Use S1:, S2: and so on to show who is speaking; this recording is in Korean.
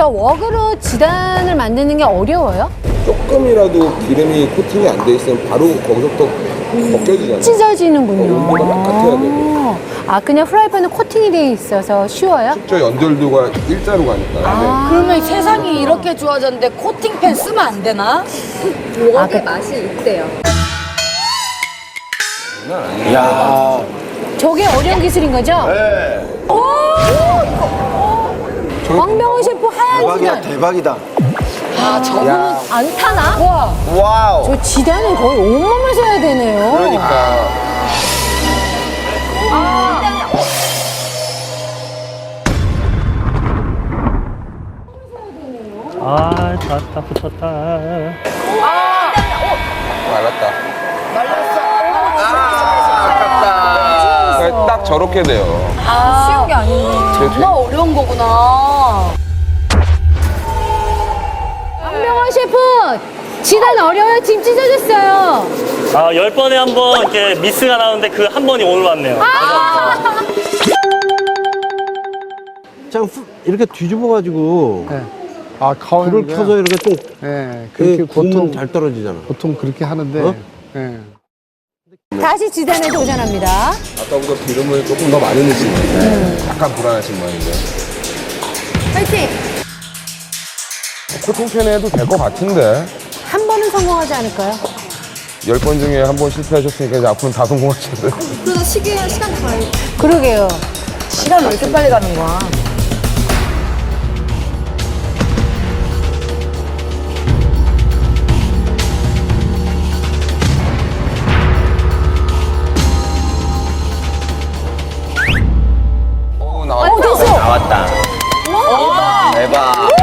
S1: 저 웍으로 지단을 만드는 게 어려워요?
S2: 조금이라도 기름이 코팅이 안 돼 있으면 바로 거기서부터 벗겨지잖아요.
S1: 찢어지는군요.
S2: 온도가 똑같아야 되고.
S1: 아, 그냥 프라이팬은 코팅이 돼 있어서 쉬워요?
S2: 저 연결도가 일자로 가니까.
S3: 그러면 세상이 이렇게 좋아졌는데 코팅팬 쓰면 안 되나?
S1: 웍의
S4: 맛이 있대요.
S5: 야.
S1: 저게 어려운 기술인 거죠?
S5: 네.
S1: 왕병호 셰프 하얀
S5: 대박이다,
S1: 지단.
S5: 대박이다.
S3: 아, 저거는
S5: 야.
S1: 안 타나?
S3: 와.
S5: 와우.
S1: 저 지단은 거의 온몸을 써야 되네요.
S5: 그러니까.
S6: 아, 다 붙었다.
S2: 말랐다.
S5: 아깝다.
S2: 그러니까 딱 저렇게 돼요.
S3: 쉬운 게 아닌데. 정말 어려운 거구나.
S1: 왕병호 셰프! 지단 어려워요? 지금 찢어졌어요.
S6: 아, 10번에 한 번 이렇게 미스가 나오는데 그 한 번이 오늘 왔네요.
S7: 그냥 이렇게 뒤집어가지고
S8: 아, 가운데
S7: 불을 켜서 이렇게 좀
S8: 예, 그렇게
S7: 구우면
S8: 보통
S7: 잘 떨어지잖아.
S8: 보통 그렇게 하는데
S7: 어?
S8: 예.
S1: 다시 지단에 도전합니다.
S2: 아까보다 기름을 조금 더 많이 넣으신 건데 약간 불안하신 모양인데.
S1: 파이팅!
S2: 코팅팬에 해도 될 것 같은데.
S1: 한 번은 성공하지 않을까요?
S2: 10번 중에 한 번 실패하셨으니까 이제 앞으로는 다 성공하셔야 돼요.
S4: 그러다 시간 가요.
S1: 그러게요.
S3: 시간 왜 이렇게 빨리 가는 거야?
S2: 나왔다.
S1: 됐어!
S5: 나왔다. 대박.